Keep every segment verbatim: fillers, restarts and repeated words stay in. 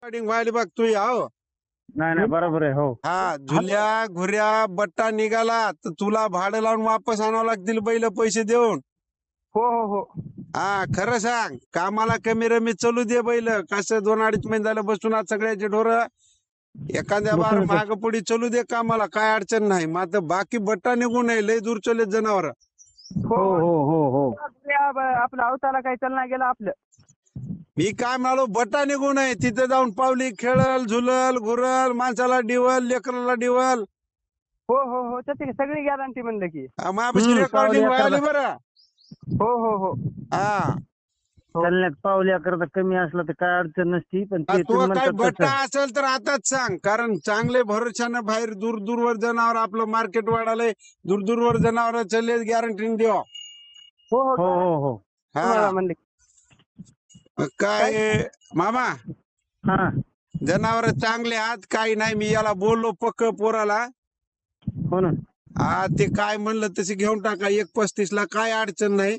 Recording व्हायला बघ तू हो. नाही नाही बरोबर आहे हो. हा झुल्या घुऱ्या बट्टा निघाला तर तुला भाडं लावून वापस आणावं लागतील बैल पैसे देऊन. हो हो हो हा खरं सांग, कामाला कमी रमी चालू दे बैल. कसं दोन अडीच महिने झालं बसून आज सगळ्याचे ढोर एखाद्या बार बसूनच माग पुढे चालू दे कामाला, काय अडचण नाही. मात्र बाकी बट्टा निघू नये, लय दूर चले जनावर. हो हो हो हो आपलं अवताला काही चालना गेलं आपलं. मी काय म्हणालो, बट्टा निघू नये. तिथे जाऊन पावली खेळल झुलल घुरल, माणसाला डिवल लेकराला डिवल. हो हो हो त्याची सगळी गॅरंटी म्हणलं की. मायापाशी हम्म, रेकॉर्डिंग पावली व्हायली करता. बरं. हो हो हो हा चालण्यात पावल्या करता कमी असलं तर काय अडचण नसती, पण ते तू तुम्ही काही म्हणतात बट्टा तसं. असेल तर आताच सांग, कारण चांगले भरोशानं बाहेर दूर दूरवर जनावर आपलं मार्केट वाढालंय. दूर दूरवर जनावर चालले, गॅरंटी देवा. हो हो हो हो हो तुम्हाला हा म्हणले मग काय मामा, हा जनावर चांगले आहात काही नाही. मी याला बोललो पक्क पोराला. हो ना. हा ते काय म्हणलं तसे घेऊन टाका, एक पस्तीस ला काय अडचण नाही.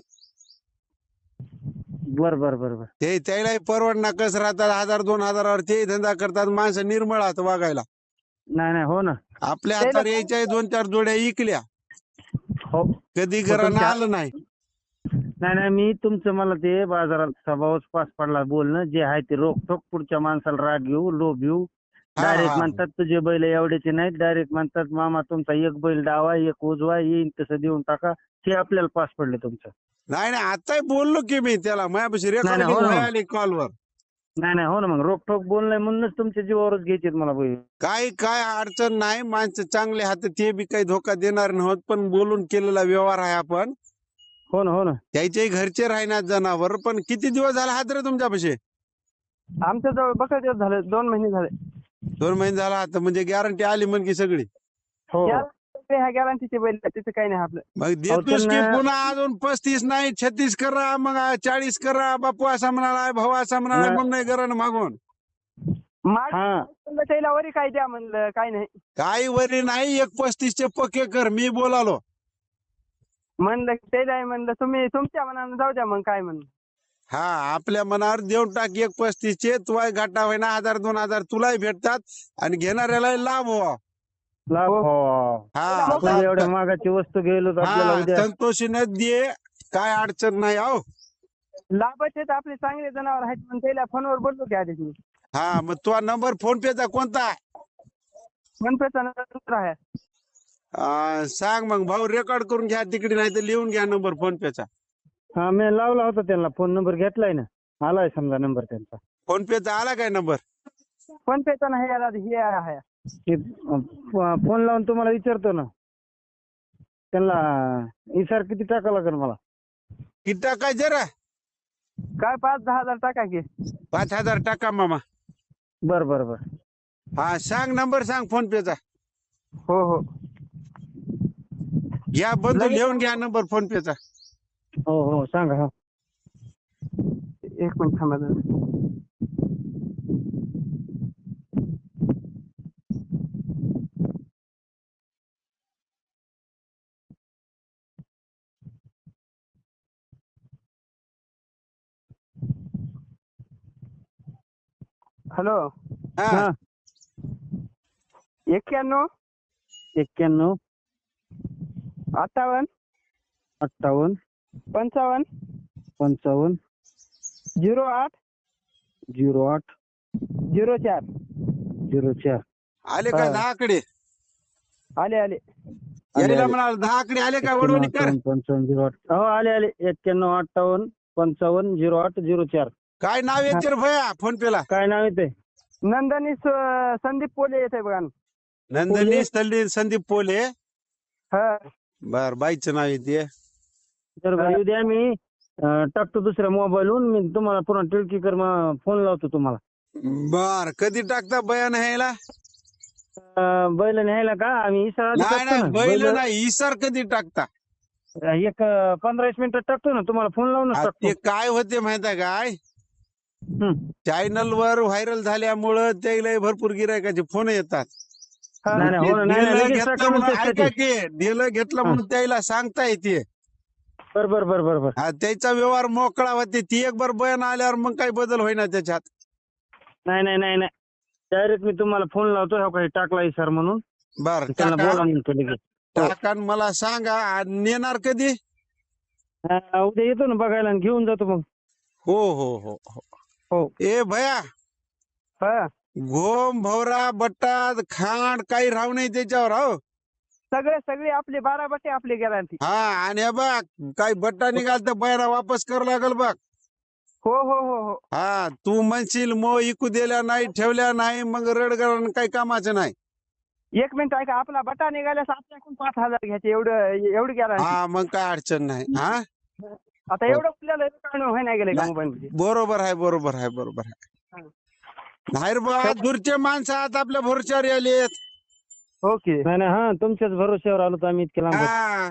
बर बर बर बर ते त्यालाही परवडणार, कसं राहतात हजार दोन हजारावर ते धंदा करतात. माणसं निर्मळ आहात वागायला. नाही नाही हो ना. आपल्या हातावर यायच्या दोन चार जोड्या इकल्या, हो कधी हो, घरानं तुमच्या- आलं नाही. नाही नाही मी तुमचं मला ते बाजारात स्वभावच पास पडला बोलणं जे आहे ते रोखोक. पुढच्या माणसाला राग घेऊ लोभ घेऊ. हा, डायरेक्ट हा. म्हणतात तुझे बैल एवढ्याचे नाहीत. डायरेक्ट म्हणतात मामा तुमचा एक बैल डावा एक उजवा येईन तसं देऊन टाका. ते आपल्याला पास पडले तुमचं. नाही नाही आताही बोललो की मी त्याला, माझ्यापाशी नाही, रेकॉर्डिंग हो ना. व्हायला कॉलवर. नाही नाही हो ना. मग रोखोक बोलणं म्हणूनच तुमच्या जीवावरच घ्यायचे मला बैल. काही काय अडचण नाही, माणसं चांगले हात ते बी काही धोका देणार नव्हत. पण बोलून केलेला व्यवहार आहे आपण. हो ना हो ना. त्याच्याही घरचे राहणार जनावर. पण किती दिवस झाला हात रे तुमच्यापाशी? आमच्या जवळ बघा दिवस झाले, दोन महिने झाले. दोन महिने झाला हात, म्हणजे गॅरंटी आली म्हणजे सगळी. हो ह्या गॅरंटीचे बैल तिथे काही नाही आपलं. मग अहो, देतोस की त्यांना- पुन्हा अजून पस्तीस नाही छत्तीस करा, मग चाळीस करा. बापू असा म्हणाला, भाऊ असा म्हणाला, नाही. म्हणून नाही करा ना मागून. माग म्हणलं त्याला वरी काय द्या म्हणलं, काय नाही काही वरी नाही, एक पस्तीसचे पक्के कर. मी बोलालो. म्हणलं ते नाही म्हणलं तुम्ही तुमच्या मनानं जाऊ द्या मग काय म्हणलं. हा आपल्या मनावर देऊन टाक एक पस्तीसचे. तुला घाटा होईना, हजार दोन हजार तुलाही भेटतात आणि घेणाऱ्याला लाभ व्हा. लाभ हो. हा आपण एवढ्या मागाची वस्तू गेलो तर आपल्याला हा उद्या संतोषीने दे, काय अडचण नाही. हो लाभच आहेत आपले चांगले जनावर आहेत. पण त्याला फोनवर बोललो की आधी मी. हा मग तुझा नंबर फोन पेचा कोणता आहे? मनपेचा नंबर आहे. आ, सांग मग भाऊ, रेकॉर्ड करून घ्या तिकडे, नाही तर लिहून घ्या नंबर फोन पेचा. हा मी लावला होता त्यांना फोन नंबर घेतलाय ना. आलाय समजा नंबर त्यांचा. फोन पेचा आला काय नंबर? फोनपेचा नाही आला, हे आहे. फोन लावून तुम्हाला विचारतो ना त्यांना. इसार किती टाका लागेल मला? किती टाकाय जरा? काय पाच दहा हजार टाका की. पाच हजार टाका मामा. बर बर बर हा सांग नंबर, सांग फोन पेचा. हो हो घ्या बंधू, लगेच- लिहून घ्या नंबर फोन पेचा. हो हो सांगा. हा एक मिनिट थांबा जरा. हॅलो. हा हा एक्क्याण्णव एक्क्याण्णव अठ्ठावन्न अठ्ठावन्न पंचावन्न पंचावन्न झिरो आठ झिरो आठ झिरो चार झिरो चार. आले का हा. दहा आकडे? आले आले यायला आले. म्हणाल दहा आकडे आले का? वडवणी कर. एक्क्याण्णव, पंचावन्न झिरो आठ. हो आले आले. एक्क्याण्णव अठ्ठावन्न पंचावन्न झिरो आठ झिरो चार. काय नाव येते रे भया फोन पेला? काय नाव येते? नंदनी स- संदीप पोले येते बघा. नंदनी स्थळी संदीप पोले. हा बर, बाईचं नाव येते. तर येऊ द्या, मी अं, टाकतो दुसऱ्या मोबाईलवरून. मी तुम्हाला पुन्हा टिळकीकर फोन लावतो तुम्हाला. बर, कधी टाकता बयान ह्याला? अं, बैल न्यायला का आम्ही इसारा आधी नाही टाकतो नाही ना. बैल बैल नाही, इसर कधी टाकता? एक अं, पंधरा वीस मिनिटात टाकतो ना. तुम्हाला फोन लावूनच आ, टाकतो. ते काय होते माहिती आहे काय, हं. चॅनल वर व्हायरल झाल्यामुळं त्याला भरपूर गिरायकाचे फोन येतात. नाही नाही हो ना. नाही नाही डेलं लगेच घेतलं टाका म्हणून, म्हणतात ऐका ते. की डेलं घेतलं हा. म्हणून त्याला सांगता येते. बर बर बर बर बर हा, त्याचा व्यवहार मोकळा होते. ती एक बार बयान आल्यावर मग काही बदल होईना त्याच्यात. नाही नाही नाही नाही डायरेक्ट मी तुम्हाला फोन लावतो हो काही टाकला सर म्हणून बर त्यांना टाका बोला म्हणतो लगेच. हो. टाका आणि मला सांगा आणि नेणार कधी? हा, उद्या येतो ना बघायला आणि घेऊन जातो मग. हो हो हो हो हो. ए भया, हा घोम भवरा बट्टा खांड काही राहू नाही त्याच्यावर. हो सगळे सगळे आपले बारा बट्टे आपले गॅरंटी. हा आणि हे बघ काही बट्टा निघाल तर बैरा वापस कर लागल बघ. हो हो हो हो हा तू म्हणशील मो इकू दिल्या नाही ठेवल्या नाही मग रडगड काही कामाचं नाही. एक मिनिट ऐका आपला बटा निघाल्यास आपल्याकडून पाच हजार घ्यायचे एवढं एवढी गॅरंटी. हा मग काय अडचण नाही. हा आता एवढं आपल्याला काढणं व्हाय नाही गेलं का नाही. मोबाईल मध्ये. बरोबर आहे बरोबर आहे बरोबर आहे. नाही रे बा दूरचे माणसं आता आपल्या भरोश्यावर आलेत. ओके. नाही नाही हा तुमच्याच भरोश्यावर आलो तर आम्ही इतके लांब. हा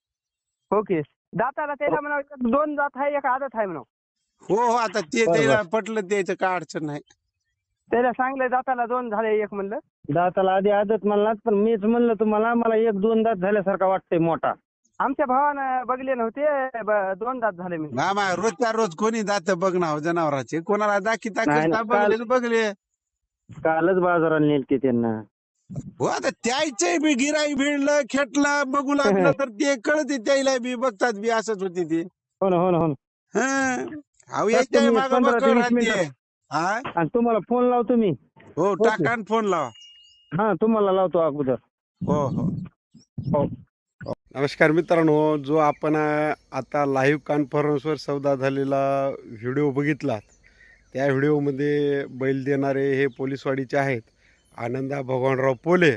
ओके. दाताला त्याला म्हणा दोन दात आहे एक आदत आहे म्हणा. हो हो आता ते बरोबर. त्याला पटलं त्याचं काय अडचण नाही. त्याला सांगलं दाताला दोन झाले एक म्हणलं. दाताला आधी आदत म्हणलात पण मीच म्हणलं तुम्हाला मला एक दोन दात झाल्यासारखा वाटतंय मोठा. आमच्या भावानं बघले नव्हते ब- दोन दात झाले मी. मामा रोजच्या रोज कोणी दात बघणार जनावराचे कोणाला दाखी नाही, दाखी नाही. बघले बघले. कालच बाजाराला नेलते त्यांना. हो आता त्याचे बी गिराई भिडलं खेटलं बघू लागलं तर ते कळते त्याला बी बघतात बी असंच होती ती. हो ना हो ना हो ना. हं. अहो तर याच्या तुम्ही माग पंधरा ते बघ वीस राहते. मिनिटं. हा आणि तुम्हाला फोन लावतो मी. हो टाका आणि फोन लावा. हा तुम्हाला लावतो अगोदर. हो हो हो. नमस्कार मित्रांनो, जो आपण अ, आता लाईव्ह कॉन्फरन्सवर सौदा झालेला व्हिडिओ बघितला त्या व्हिडिओमध्ये बैल देणारे हे पोलीसवाडीचे आहेत आनंदा भगवानराव पोले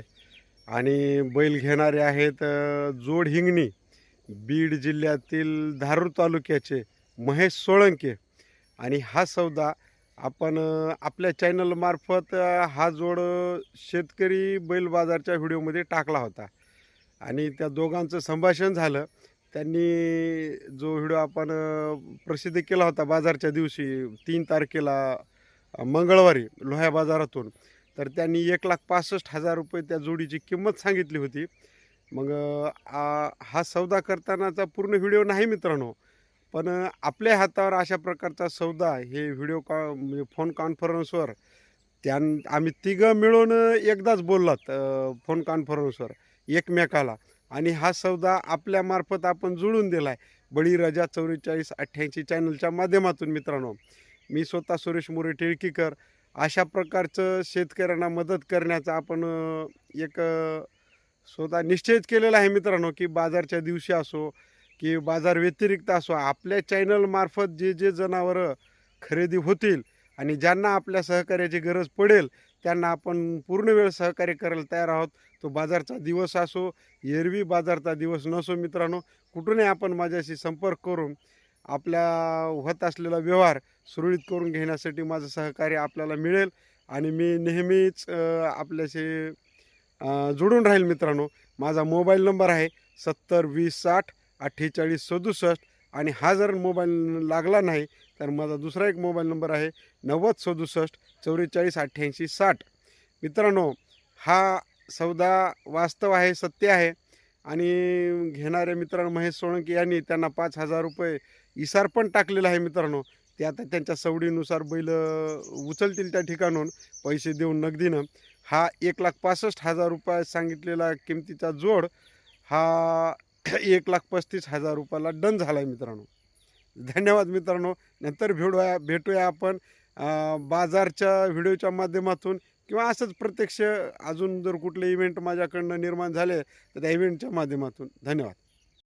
आणि बैल घेणारे आहेत अ, जोड हिंगणी बीड जिल्ह्यातील धारूर तालुक्याचे महेश सोळंके. आणि हा सौदा आपण अ, आपल्या चॅनलमार्फत अ, हा जोड अ, शेतकरी बैल बाजारच्या व्हिडिओमध्ये टाकला होता आणि त्या दोघांचं संभाषण झालं. त्यांनी जो व्हिडिओ आपण अ, प्रसिद्ध केला होता बाजारच्या दिवशी तीन तारखेला अ, मंगळवारी लोह्या बाजारातून, तर त्यांनी एक लाख पासष्ट हजार रुपये त्या जोडीची किंमत सांगितली होती. मग अ, आ- हा सौदा करतानाचा पूर्ण व्हिडिओ नाही मित्रांनो, पण अ, आपल्या हातावर अशा प्रकारचा सौदा हे व्हिडिओ कॉ म्हणजे फोन कॉन्फरन्सवर त्यां आम्ही तिघं मिळून अ, एकदाच बोललात अ, फोन कॉन्फरन्सवर एकमेकाला. आणि हा सौदा आपल्यामार्फत आपण जुळून दिला आहे बळीराजा चौवेचाळीस अठ्ठ्याऐंशी चॅनलच्या माध्यमातून. मित्रांनो मी स्वतः सुरेश मोरे टिळकीकर अशा प्रकारचं शेतकऱ्यांना मदत करण्याचा आपण अ, एक अ, स्वतः निश्चयच केलेला आहे मित्रांनो, की बाजारच्या दिवशी असो की बाजार व्यतिरिक्त असो आपल्या चॅनलमार्फत जे जे जनावरं खरेदी होतील आणि ज्यांना आपल्या सहकार्याची गरज पडेल त्यांना आपण पूर्ण वेळ सहकार्य करायला तयार आहोत. तो बाजारचा दिवस असो एरवी बाजारचा दिवस नसो मित्रांनो, कुठूनही आपण माझ्याशी संपर्क करून आपल्या होत असलेला व्यवहार सुरळीत करून घेण्यासाठी माझं सहकार्य आपल्याला मिळेल. आणि मी नेहमीच अ, आपल्याशी अ, जोडून राहील मित्रांनो. माझा मोबाईल नंबर आहे सत्तर वीस साठ अठ्ठेचाळीस सदुसष्ट. आणि हा जर मोबाईल लागला नाही तर माझा दुसरा एक मोबाईल नंबर आहे नव्वद सदुसष्ट चौवेचाळीस अठ्ठ्याऐंशी साठ. मित्रांनो हा सौदा वास्तव आहे, सत्य आहे. आणि घेणारे मित्रांनो महेश सोळंके यांनी त्यांना पाच हजार रुपये इसार पण टाकलेला आहे मित्रांनो. ते आता त्यांच्या सवडीनुसार बैल उचलतील त्या ठिकाणून पैसे देऊन नगदीनं. हा एक लाख पासष्ट हजार रुपये सांगितलेला किमतीचा जोड हा एक लाख पस्तीस हजार रुपयाला डन झाला आहे मित्रांनो. धन्यवाद मित्रांनो. नंतर भेटूया भेटूया आपण अ, बाजारच्या व्हिडिओच्या माध्यमातून किंवा असंच प्रत्यक्ष अजून जर कुठले इव्हेंट माझ्याकडनं निर्माण झाले तर त्या इव्हेंटच्या माध्यमातून. धन्यवाद.